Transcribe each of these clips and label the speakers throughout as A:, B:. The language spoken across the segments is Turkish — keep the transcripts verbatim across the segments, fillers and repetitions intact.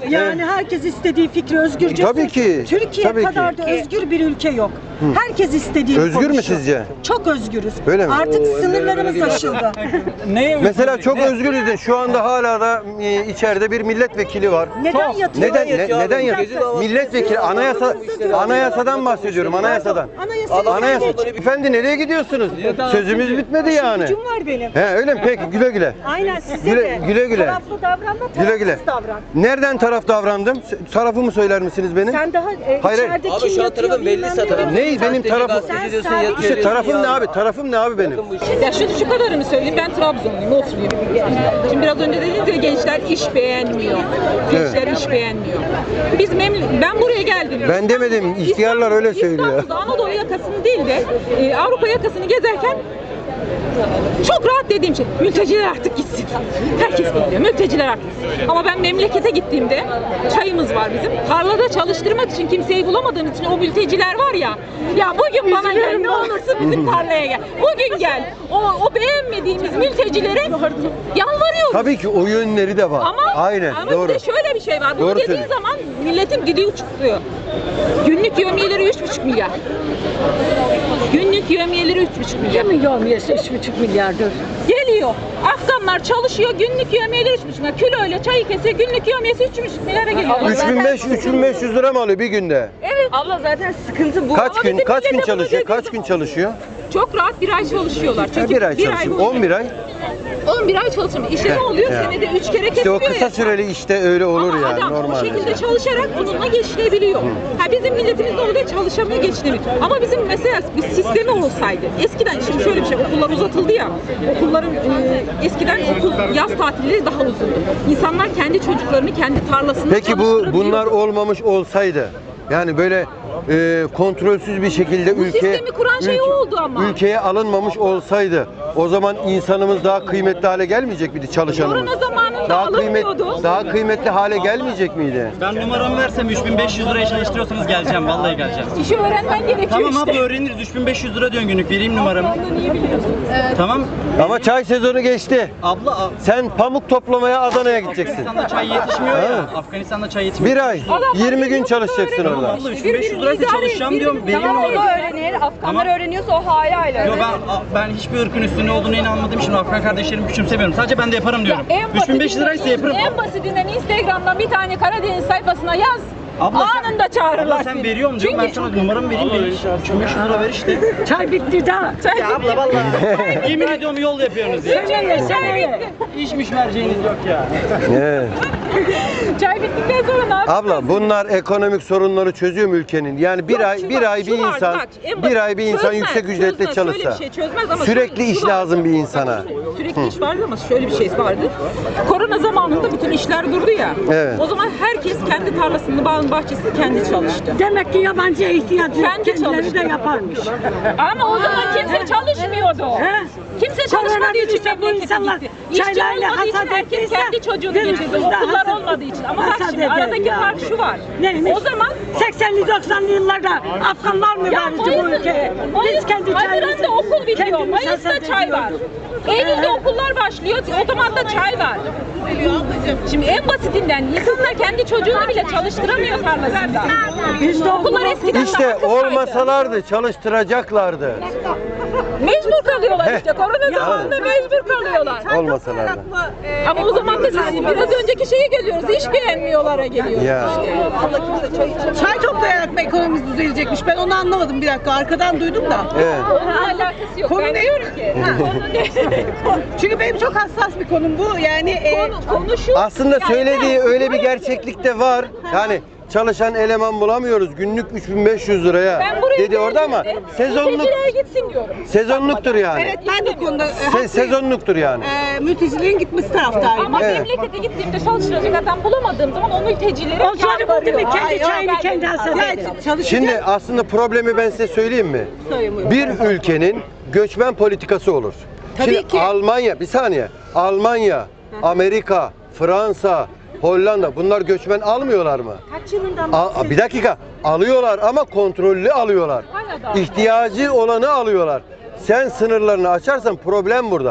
A: Yani herkes istediği fikri özgürce.
B: Tabii ki.
A: Türkiye
B: tabii
A: kadar
B: ki.
A: da özgür bir ülke yok. Hı. Herkes istediğini
B: Özgür
A: konuşuyor.
B: mü sizce?
A: Çok özgürüz.
B: Öyle mi?
A: Artık sınırlarımız aşıldı.
B: Mesela çok özgürüz de şu anda hala da e, içeride bir milletvekili var.
A: Neden yatıyor?
B: Neden ne- neden yatıyor? Milletvekili anayasa anayasadan bahsediyorum, anayasadan.
A: Anayasa.
B: Anayasa. Efendi nereye gidiyorsunuz? Sözümüz bitmedi yani.
A: Gücüm var benim.
B: He öyle mi? Peki güle güle.
A: Aynen size
B: Güle-
A: de.
B: güle güle.
A: Taraflı davranma, tarafsız
B: Güle güle.
A: davran.
B: Nereden taraf davrandım? Tarafımı söyler misiniz benim?
A: Sen daha e,
B: Hayır.
A: içeride
C: Abi
A: kim
C: şu an
A: yatıyor
C: tarafın belli
A: bilmem
C: zaten.
A: ne.
B: Ney benim tarafım?
C: Gazeteci diyorsun,
A: Sen
C: yatıyor
B: İşte
C: diyorsun
B: tarafım
C: ya.
B: ne abi? Tarafım ne abi benim?
D: Ya şu, şu kadarını söyleyeyim, ben Trabzonluyum, oturayım. Şimdi biraz önce dediniz ya gençler iş beğenmiyor. Gençler iş beğenmiyor. Biz memle- ben buraya geldim.
B: Ben demedim, ihtiyarlar öyle söylüyor.
D: İstanbul'da Anadolu yakasını değil de e, Avrupa yakasını gezerken çok rahat dediğim şey, mülteciler artık gitsin. Herkes biliyor, mülteciler artık gitsin. Ama ben memlekete gittiğimde, çayımız var bizim, tarlada çalıştırmak için kimseyi bulamadığım için o mülteciler var ya, ya bugün bana gel, ne olursun bizim tarlaya gel. Bugün gel, o, o beğenmediğimiz mültecilere yalvarıyoruz.
B: Tabii ki o yönleri de var.
D: Ama,
B: Aynen,
D: ama
B: doğru.
D: bir de şöyle bir şey var, bunu
B: Doğru
D: dediğin
B: söylüyorsun.
D: zaman milletin dili uçukluyor. Günlük yevmiyeleri üç buçuk milyar. Günlük yevmiyeleri üç buçuk milyar.
A: Kimin yevmiyesi üç buçuk milyardır?
D: Geliyor. Afganlar çalışıyor. Günlük yevmiyeleri üç buçuk milyar. Kiloyla çayı kesiyor. Günlük yevmiyesi üç buçuk milyara geliyor.
B: üç bin beş yüz üç bin beş yüz lira mı alıyor bir günde?
D: Evet. Abla zaten sıkıntı bu.
B: Kaç
D: Ama
B: gün
D: bizim
B: kaç gün
D: millete bunu
B: çalışıyor?
D: dediği
B: Kaç gün
D: zaman
B: çalışıyor?
D: Çok rahat bir ay çalışıyorlar. Çünkü
B: Bir ay
D: bir
B: çalışıyor.
D: boyunca-
B: on bir ay.
D: on bir ay çalışıyor. İşte ne oluyor?
B: Ya.
D: Senede üç kere
B: İşte
D: kesiliyor.
B: o kısa
D: ya.
B: süreli işte öyle olur
D: Ama
B: yani
D: adam
B: normal.
D: o şekilde çalışarak bununla geçinebiliyor. Ha bizim milletimiz ne oluyor? Çalışamıyor, geçinemiyor. Ama bizim mesela bir sistemi olsaydı. Eskiden şimdi şöyle bir şey, okullar uzatıldı ya. Okulların e, eskiden okul yaz tatilleri daha uzundu. İnsanlar kendi çocuklarını kendi tarlasında
B: Peki bu
D: çalıştırabiliyordu.
B: bunlar olmamış olsaydı yani böyle e, kontrolsüz bir şekilde
D: Bu
B: ülke
D: sistemi kuran şey
B: ülke-
D: oldu ama.
B: ülkeye alınmamış olsaydı o zaman insanımız daha kıymetli hale gelmeyecek miydi çalışanımız?
D: Korona zamanında
B: Daha kıymet
D: alınmıyordu.
B: daha kıymetli hale gelmeyecek miydi?
E: Ben numaramı versem üç bin beş yüz liraya çalıştırıyorsanız geleceğim. Vallahi geleceğim.
D: İşi öğrenmen gerekiyor
E: Tamam
D: işte.
E: abla öğreniriz. üç bin beş yüz lira diyorsun günlük. Vereyim numaramı.
D: Ondan iyi biliyorsun.
E: Tamam.
B: Ama çay sezonu geçti.
E: Abla a-
B: Sen pamuk toplamaya Adana'ya gideceksin.
E: Afganistan'da çay yetişmiyor ya. Afganistan'da çay yetişmiyor.
B: Bir ay, yirmi gün çalışacaksın
D: Tamam
B: orada.
E: Abla üç bin beş yüz liraysa çalışacağım diyorum. Vereyim
D: Tamam,
E: numaramı.
D: öğrenir. Afganlar
E: Tamam.
D: öğreniyorsa o hala hala.
E: Yo ben a- ben hiçbir ırkın üstünde olduğunu inanmadığım için Afgan kardeşlerimi küçümsemiyorum. Sadece ben de yaparım diyorum. üç bin beş yüz liraysa yaparım.
D: En basitinden Instagram'dan bir tane Karadeniz sayfasına yaz.
E: Abla sen-
D: Anında çağırırlar
E: Abla sen
D: seni.
E: veriyorum diyorum. Ben
D: Çünkü
E: sana numaramı vereyim. Ver. üç bin beş yüz lira ver işte.
A: Çay bitti daha.
D: çay
E: Ya abla vallahi yemin ediyorum yol yapıyorsunuz ya.
D: bitti. Çay bitti.
E: İşmiş merceğiniz yok ya.
B: Evet.
D: Çay bittikten sonra ne yapacağız?
B: Abla bunlar ekonomik sorunları çözüyor mu ülkenin? Yani bir
D: Yok,
B: ay
D: şu
B: bir
D: var,
B: ay
D: şu
B: bir
D: var,
B: insan
D: bak, en
B: bir
D: basit-
B: ay bir insan
D: çözmez,
B: yüksek ücretle
D: çözmez,
B: çalışsa
D: şöyle bir şey çözmez ama
B: sürekli
D: şu-
B: iş
D: şu var.
B: lazım bir insana.
D: Sürekli iş vardı ama şöyle bir şey vardı. Korona zamanında bütün işler durdu ya.
B: Evet.
D: O zaman herkes kendi tarlasını, bağın bahçesini kendi çalıştı.
A: Demek ki yabancıya ihtiyacı yok.
D: Kendi
A: Kendileri
D: çalıştı.
A: de yaparmış.
D: Ama o zaman kimse çalışmıyordu.
A: He?
D: Kimse
A: Korona
D: çalışmadığı için
A: virüsü bu
D: memlekete
A: insanlar
D: gitti. İşçi
A: çaylarla
D: olmadığı için
A: hasat
D: herkes
A: ettiyse
D: kendi çocuğunu
A: biz
D: getirdi.
A: de
D: Okullar
A: hasat-
D: olmadığı için. Ama bak
A: hasat
D: şimdi
A: ederiz
D: aradaki
A: ya.
D: fark şu var.
A: Neymiş?
D: O zaman
A: seksenli doksanlı yıllarda Afganlar mı
D: ya
A: verdi bu ülkeye? Biz kendi
D: Haziran'da
A: çayımızı
D: okul bitiyor.
A: kendimiz
D: Mayıs'ta
A: hasat
D: çay var.
A: ediyorduk.
D: Eylül'de okullar başlıyor. Otomatta çay var. Şimdi en basitinden insanlar kendi çocuğunu bile çalıştıramıyor tarlasında.
A: Biz de
D: Okullar
A: okul
D: eskiden
B: İşte
D: daha kısaydı.
B: olmasalardı çalıştıracaklardı.
D: Mecbur kalıyorlar işte.
B: Heh.
D: Korona zamanında mecbur kalıyorlar.
B: Olmasalardı.
D: Ama o zaman da siz biraz önceki şeye geliyoruz. İş beğenmiyorlara geliyoruz.
B: Ya.
F: Çay toplayarak mı ekonomimiz düzelecekmiş? Ben onu anlamadım bir dakika. Arkadan duydum da.
B: Evet.
D: Onunla alakası yok.
F: Konu
D: Ben
F: ne?
D: diyorum ki. Konu ne?
F: Çünkü benim çok hassas bir konum bu. Yani e,
D: Konu, konu şu.
B: Aslında
D: yani
B: söylediği
D: ben-
B: öyle bir gerçeklik de var. Yani çalışan eleman bulamıyoruz. Günlük üç bin beş yüz liraya
D: Ben buraya
B: dedi orada ama
D: geldiğimde
B: sezonluk
D: mültecilere gitsin diyorum.
B: sezonluktur yani.
F: evet ben de konuda e,
B: Se-
F: haklıyım.
B: sezonluktur yani.
F: E, mültecilerin gitmesi taraftarıyım.
D: Ama
B: Evet.
D: memlekete gittiğimde çalıştıracak adam bulamadığım zaman o mültecileri
A: O çocuk buldu mu kendi
F: Hayır,
A: çayını
D: ben-
A: kendi hasat
F: Ya,
A: eder.
F: çalışacak.
B: Şimdi aslında problemi ben size söyleyeyim mi?
F: Söyleyeyim.
B: Bir ülkenin göçmen politikası olur.
F: Tabii
B: Şimdi
F: ki.
B: Almanya, bir saniye. Almanya, Amerika, Fransa, Hollanda bunlar göçmen almıyorlar mı?
A: Kaç yılından
B: A- bir dakika. Alıyorlar ama kontrollü alıyorlar.
D: Hala da.
B: İhtiyacı olanı alıyorlar. Sen sınırlarını açarsan problem burada.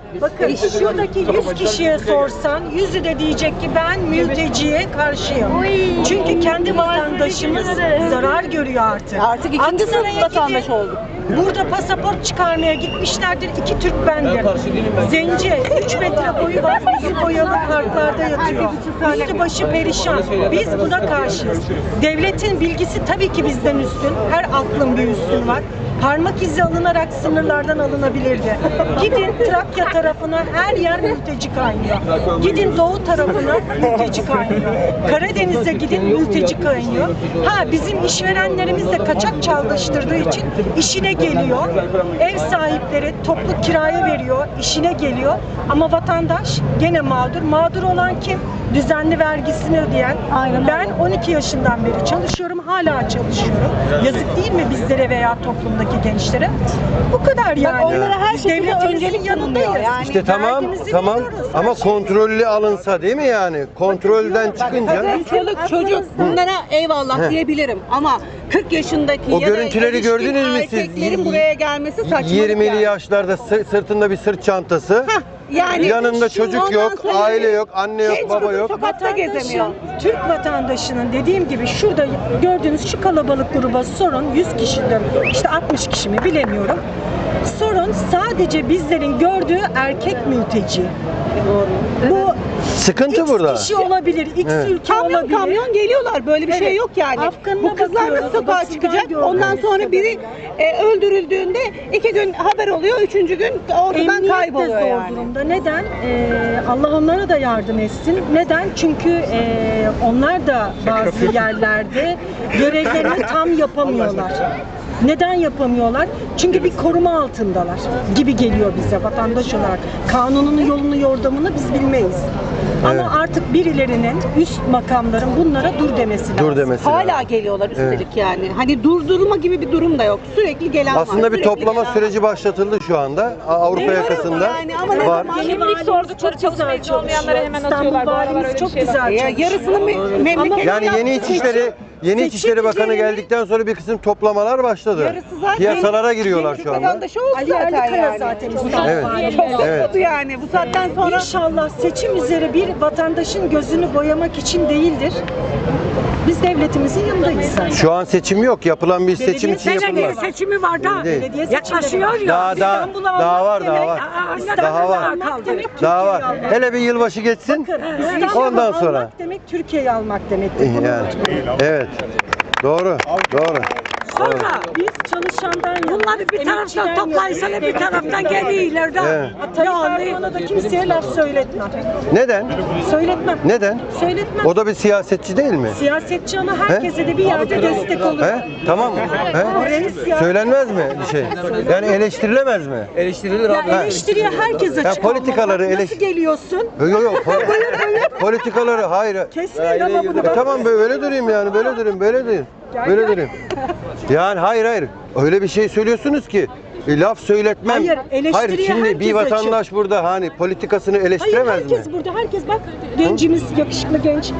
A: Bakın şuradaki yüz kişiye sorsan yüzü de diyecek ki ben mülteciye karşıyım. Çünkü kendi vatandaşımız zarar görüyor artık.
F: Artık ikinci sınıf
A: Aksaray'a
F: vatandaş
A: gidin.
F: olduk.
A: Burada pasaport çıkarmaya gitmişlerdir. İki Türk bendir. Zenci, üç metre boyu var. Yüzü boyalı parklarda yatıyor. Üstü başı perişan. Biz buna karşıyız. Devletin bilgisi tabii ki bizden üstün. Her aklın bir üstün var. Parmak izi alınarak sınırlardan alınabilirdi. Gidin Trakya tarafına her yer mülteci kaynıyor. Gidin doğu tarafına mülteci kaynıyor. Karadeniz'e gidin mülteci kaynıyor. Ha bizim işverenlerimiz de kaçak çalıştırdığı için işine geliyor. Ev sahipleri toplu kiraya veriyor, işine geliyor. Ama vatandaş gene mağdur. Mağdur olan kim? Düzenli vergisini ödeyen. Ben on iki yaşından beri çalışıyorum, hala çalışıyorum. Yazık değil mi bizlere veya toplumdaki gençlere? Bu kadar yani.
F: onlara her
A: Biz
F: şekilde
A: devletimizin
F: öncelik
A: yanındayız.
F: tanınıyor yani.
B: İşte tamam,
A: Vergimizi
B: tamam
A: veriyoruz, her
B: ama
A: şey.
B: kontrollü alınsa değil mi yani? Kontrolden çıkınca
F: Kadın, çoluk, çocuk bunlara eyvallah
B: He.
F: diyebilirim ama kırk yaşındaki
B: O
F: ya da
B: görüntüleri
F: erişkin
B: gördünüz mü siz?
F: erkeklerin buraya gelmesi saçmalık
B: yirmili
F: yani.
B: yaşlarda sı- sırtında bir sırt çantası.
F: Yani
B: yanında
F: şu
B: çocuk
F: ondan
B: yok,
F: sonra
B: aile yok, anne yok,
F: genç
B: baba
F: kızın
B: yok.
F: sokakta gezemiyor.
A: Türk vatandaşının dediğim gibi şurada gördüğünüz şu kalabalık gruba sorun, yüz kişiden işte altmış kişi mi bilemiyorum. Sorun sadece bizlerin gördüğü erkek mülteci. Bu
B: Sıkıntı
A: X
B: burada.
A: kişi olabilir, X
B: Evet.
A: ülke
F: Kamyon
A: olabilir.
F: kamyon geliyorlar, böyle bir şey
A: Evet.
F: yok yani.
A: Afganına
F: Bu kızlar
A: bakıyoruz,
F: nasıl sokağa
A: Batısından
F: çıkacak?
A: gördüğümüz
F: Ondan sonra biri e, öldürüldüğünde iki gün haber oluyor, üçüncü gün ortadan
A: Emniyet de
F: kayboluyor
A: zor
F: yani.
A: durumda. Neden? Ee, Allah onlara da yardım etsin. Neden? Çünkü e, onlar da bazı yerlerde görevlerini tam yapamıyorlar. Neden yapamıyorlar? Çünkü bir koruma altındalar gibi geliyor bize vatandaş olarak. Kanunun yolunu yordamını biz bilmeyiz.
B: Evet.
A: Ama artık birilerinin, üst makamların bunlara dur demesi lazım.
B: Dur demesi
F: Hala
B: lazım.
F: geliyorlar üstelik yani. Hani durdurma gibi bir durum da yok. Sürekli gelen var.
B: Aslında bir
F: sürekli
B: toplama
F: gelen
B: süreci başlatıldı şu anda. A- Avrupa
F: Biliyorum
B: yakasında
F: yani ama ne
B: var.
F: zaman-
D: Kimlik
A: Valimiz
D: sordukları
A: çok
D: çalışma
A: güzel
D: izni olmayanlara
A: çalışıyor.
D: hemen
A: İstanbul
D: atıyorlar. Bu aralar
A: valimiz
D: öyle bir
A: çok
D: şey var.
A: güzel
F: Ya
A: çalışıyor.
F: yarısını me- memleket
B: Yani yeni İçişleri yeni İçişleri Bakanı geldikten sonra bir kısım toplamalar başladı.
F: Yarısı zaten
B: Piyasalara giriyorlar
F: yeni
B: şu anda.
F: vatandaşı oldu
A: Ali
F: zaten
A: Erlikaya
F: yani.
A: zaten İstanbul
B: Evet.
A: valimiz.
F: Çok
B: Evet.
F: oldu yani. Bu saatten sonra
A: İnşallah seçim üzere bir vatandaşın gözünü boyamak için değildir. Biz devletimizin yanındayız zaten.
B: Şu an seçim yok. Yapılan bir seçim için
A: Belediye
B: yapılmaz.
A: seçimi var da.
B: Değil.
A: Belediye
C: Yaklaşıyor
A: seçimleri
C: ya.
B: Daha daha
A: İstanbul'u
B: daha
A: almak
B: var daha
A: demek,
B: var.
A: aa,
B: Daha var.
A: almak demek
B: Daha var.
A: Türkiye'yi almak.
B: Hele bir yılbaşı geçsin.
A: İstanbul'u
B: Ondan sonra.
A: almak demek Türkiye'yi almak demektir. Bunu
B: Yani.
A: unutmayın.
B: Evet. Doğru. Doğru.
C: Sonra
A: Biz çalışandan yana,
C: bunları bir taraftan
A: emekçiden
C: toplaysan
A: yana,
C: bir taraftan geliyorlar da.
B: Evet.
A: Tayyip Erdoğan'a da kimseye laf söyletmem.
B: Neden?
A: Söyletmem.
B: Neden?
A: Söyletmem.
B: O da bir siyasetçi değil mi?
A: Siyasetçi ama herkese de bir yerde destek olur.
B: He? Tamam. He?
A: Reis ya.
B: Söylenmez mi bir şey? Yani eleştirilemez mi?
G: Eleştirilir
A: Ya
G: abi.
A: eleştiriye herkes açık
B: Ya
A: olmalı.
B: politikaları
A: Bak
B: eleş-
A: Nasıl geliyorsun?
B: Yok yok yok. Pol- Politikaları hayır.
A: Kesmeyin ama bunu.
B: E tamam böyle durayım yani böyle durayım böyle durayım. Böyle durayım. Yani hayır hayır. Öyle bir şey söylüyorsunuz ki e, laf söyletmem.
A: Hayır, eleştiriye
B: şimdi bir
A: herkes
B: vatandaş burada hani politikasını
A: Hayır
B: eleştiremez
A: herkes
B: mi?
A: burada. Herkes bak gencimiz, yakışıklı genç.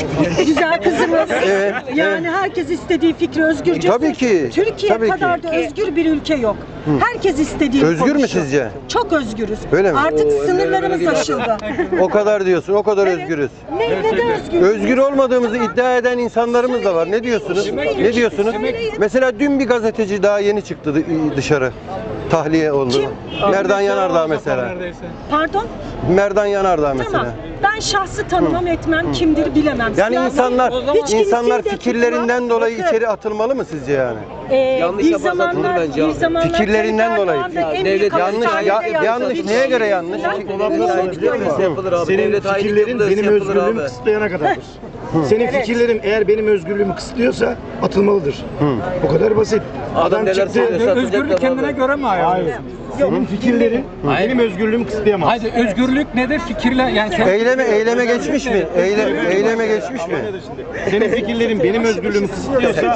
A: Güzel kızımız.
B: Evet,
A: Yani herkes istediği fikri özgürce.
B: Tabii ki,
A: Türkiye
B: tabii ki.
A: kadar da özgür bir ülke yok. Herkes istediğini
B: Özgür mü
A: konuşuyor.
B: sizce?
A: Çok özgürüz.
B: Öyle mi?
A: Artık sınırlarımız aşıldı.
B: O kadar diyorsun. O kadar
A: Evet.
B: özgürüz.
A: Ne, neden özgür?
B: Özgür olmadığımızı iddia eden insanlarımız da var. Ne diyorsunuz? Ne diyorsunuz? Mesela dün bir gazeteci daha yeni çıktı dı- dışarı. Tahliye oldu.
A: Kim?
B: Merdan Yanardağ mesela.
A: Pardon?
B: Merdan Yanardağ
A: Tamam.
B: mesela.
A: Ben şahsı tanımam etmem, kimdir bilemem.
B: Yani
A: Siyasi-
B: insanlar
A: Hiç
B: insanlar
A: kimseyi de
B: fikirlerinden
A: tutmam.
B: dolayı
A: Bakın,
B: içeri atılmalı mı sizce yani?
A: e,
G: Yanlış
A: bir
G: yaparsa atılır
A: zamanlar,
G: bence
A: bir
G: abi.
A: zamanlar
B: Fikirlerinden
A: Tayyip
B: dolayı.
A: Erdoğan'da en
G: Devlet
A: büyük
B: yanlış
A: hapishanede
B: ya,
A: yattı.
B: yanlış
A: Bir
B: neye
A: şey
B: göre yanlış?
A: yüzünden
B: Ki-
A: bunu unutmayın.
G: Yapılır abi.
H: Senin
G: Devlet hainlik
H: fikirlerin
G: yapılırsa
H: benim
G: yapılır
H: özgürlüğümü
G: abi.
H: kısıtlayana kadardır. Senin fikirlerin eğer benim özgürlüğümü kısıtlıyorsa atılmalıdır. Bu kadar basit.
G: Adam neler söylüyorsa
I: Özgürlük kendine göre mi ayarlıyorsun?
H: Senin fikirlerin benim özgürlüğümü kısıtlayamaz.
I: Hayır, özgürlük nedir? Fikirle yani kendi-
B: Eyleme eyleme geçmiş mi? Eyle, eyleme geçmiş mi?
H: Senin fikirlerin benim özgürlüğümü kısıtlıyorsa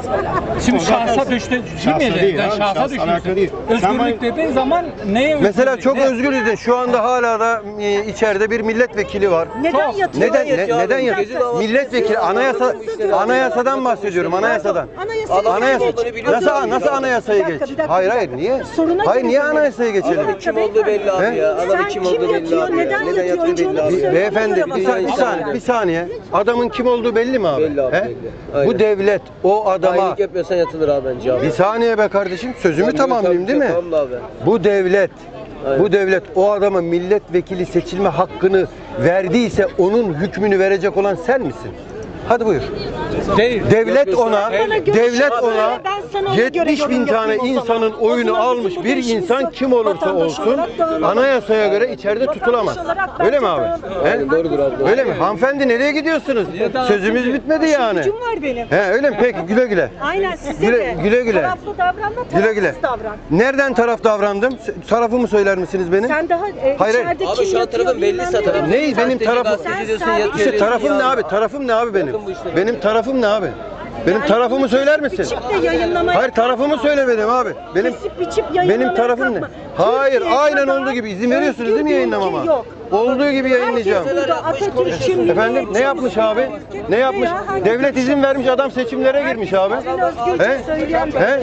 I: Şimdi şahsa düştü değil
H: Şahsa
I: mi?
H: değil
I: Yani
H: abi,
I: şahsa
H: şahsa alakalı değil.
I: düşüyorsun.
H: Sen
I: Özgürlük
H: bana-
I: dediğin zaman neye
B: Mesela
I: özgürlük?
B: çok
I: Ne?
B: özgürüz. Şu anda hala da e, içeride bir milletvekili var.
A: Neden yatıyor?
B: Neden ne-
G: yatıyor abi?
B: neden ya?
G: Gece davası
B: Milletvekili anayasa anayasadan bahsediyorum anayasadan.
A: Anayasayı
G: Adam
B: Anayasa
G: olduğunu biliyor
B: nasıl
G: musun?
B: nasıl anayasayı
A: Bir dakika,
B: geç?
A: bir dakika,
B: Hayır
A: bir
B: hayır
A: dakika.
B: niye?
A: Soruna
B: Hayır niye
A: geleceğim.
B: anayasaya geçelim.
G: Kim olduğu belli abi
B: He?
G: ya. Adamın
A: Sen
G: kim
A: kim
G: olduğu belli
A: yatıyor,
G: abi.
A: neden
G: Neden
A: yatıyor,
G: yattığı
A: önce
G: belli
A: onu
G: abi.
A: söyle.
B: Beyefendi bir,
A: Dünya
B: sa- bir saniye, bir saniye. Adamın kim olduğu belli mi abi?
G: Belli abi,
B: He?
G: belli. Aynen.
B: Bu devlet o adama
G: Hainlik yapıyorsan yatılır abi bence abi.
B: bir saniye be kardeşim sözümü
G: Tabii,
B: tamamlayayım
G: tabii,
B: değil mi?
G: Tamam da abi.
B: Bu devlet
G: Aynen.
B: bu devlet o adama milletvekili seçilme hakkını verdiyse onun hükmünü verecek olan sen misin? Hadi buyur.
I: Değil.
B: Devlet ona,
A: göre
B: devlet
A: şöyle,
B: ona
A: ben sana ona göre
B: yetmiş bin
A: yorum
B: tane
A: yapayım o zaman.
B: insanın
A: O
B: oyunu
A: zaman bizim
B: almış
A: burada
B: bir
A: işimiz
B: insan
A: yok.
B: kim olursa
A: Vatandaş
B: olsun
A: olarak dağılalım.
B: anayasaya göre içeride tutulamaz.
A: olarak
B: Öyle mi
A: bence
B: abi?
A: dağılalım.
B: He?
G: Aynen, doğrudur abi.
B: Öyle mi? Hanımefendi nereye gidiyorsunuz? Sözümüz bitmedi yani.
A: Gücüm var benim.
B: He öyle mi? Peki güle güle.
A: Aynen size
B: Güle-
A: de.
B: güle güle.
A: Taraflı davranma,
B: Güle
A: tarafsız
B: güle.
A: davran.
B: Nereden taraf davrandım? Tarafımı söyler misiniz benim?
A: Sen daha e,
B: Hayır,
A: içeride
G: Abi
A: kim
G: şu an
A: yatıyor
G: tarafın belli
A: bilmem
G: zaten.
A: ne.
B: Neyi? Benim tarafım-
G: Gazeteci diyorsun,
A: Sen
G: yatıyor
A: sabit-
B: İşte
G: diyorsun
B: tarafım ne
G: ya.
B: abi? Tarafım ne abi benim?
G: Bakın bu işlere.
B: Benim tarafım ne abi? Benim
A: Yani
B: tarafımı
A: bunu
B: söyler
A: kesip
B: misin?
A: biçip de yayınlamaya
B: Hayır tarafımı
A: kalkma.
B: söyle benim abi. Benim
A: Kesip biçip yayınlamaya
B: benim tarafım ne?
A: kalkma.
B: Hayır,
A: Türkiye
B: aynen
A: kadar
B: olduğu gibi izin veriyorsunuz
A: özgür
B: değil mi
A: bir
B: yayınlamama?
A: ülke yok.
B: Olduğu gibi yayınlayacağım.
A: Herkes burada Atatürk'ün
B: Efendim ne yapmış abi? Ne yapmış? Devlet izin vermiş, adam seçimlere girmiş abi. He? He?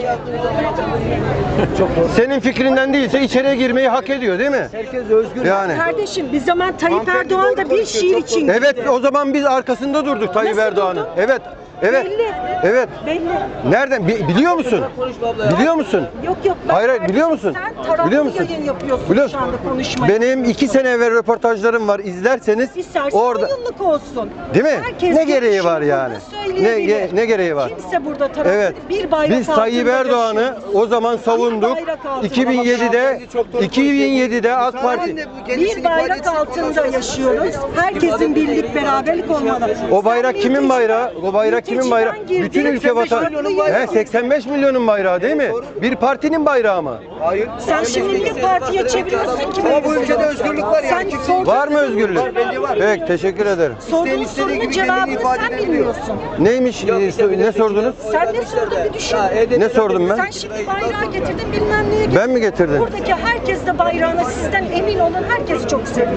B: Senin fikrinden değilse içeriye girmeyi hak ediyor değil mi?
G: Herkes özgür.
B: Yani.
A: Kardeşim bir zaman Tayyip Erdoğan da bir şiir için
B: Evet
A: gitti.
B: o zaman biz arkasında durduk Tayyip
A: Nasıl
B: Erdoğan'ın.
A: durdun?
B: Evet. Evet.
A: Belli.
B: Evet.
A: Belli.
B: Nereden? Bi- biliyor musun? Biliyor musun?
A: Yok yok. bak
B: Hayır, hayır,
A: kardeşim,
B: biliyor musun?
A: Sen taraflı
B: Biliyor musun?
A: yayın yapıyorsun
B: Biliyor
A: şu
B: musun?
A: anda konuşmayı.
B: Benim iki sene evvel röportajlarım var. İzlerseniz
A: İstersen
B: orada
A: oyunluk olsun.
B: değil mi?
A: Herkes
B: Ne gereği var
A: görüşünü
B: yani?
A: burada
B: Ne
A: söyleyebilir.
B: ge- ne gereği var?
A: Kimse burada taraflı
B: Evet.
A: bir bayrak
B: Biz Tayyip
A: altında
B: Erdoğan'ı
A: yaşıyoruz.
B: o zaman savunduk.
A: Bir bayrak altında.
B: iki bin yedide iki bin yedide AK Parti
A: Bir bayrak altında yaşıyoruz. Herkesin birlik beraberlik olmalı.
B: o bayrak
A: Sen
B: kimin bayrağı? O bayrak kimin
A: mülteciden
B: bayrağı?
A: girdin,
B: Bütün ülke vatan. He seksen beş milyonun bayrağı değil mi? Bir partinin bayrağı mı?
G: Hayır.
A: Sen şimdi niye partiye çeviriyorsun ki?
G: Ama bu ülkede özgürlük var yani.
A: Sen sorduğun
B: Var mı özgürlük?
A: sorunun cevabını-
B: Peki teşekkür ederim.
A: Sorduğun sorunun cevabını sen bilmiyorsun.
B: Neymiş? e, Ne sordunuz?
A: Sen ne sordun bir düşün.
B: Ne sordum ben?
A: Sen şimdi bayrağı getirdin bilmem neye getirdin.
B: Ben mi getirdim?
A: Buradaki herkes de bayrağına sizden emin olun herkes çok seviyor.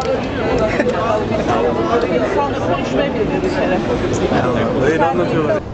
F: İnsanla konuşmayı bilmiyor bir kere.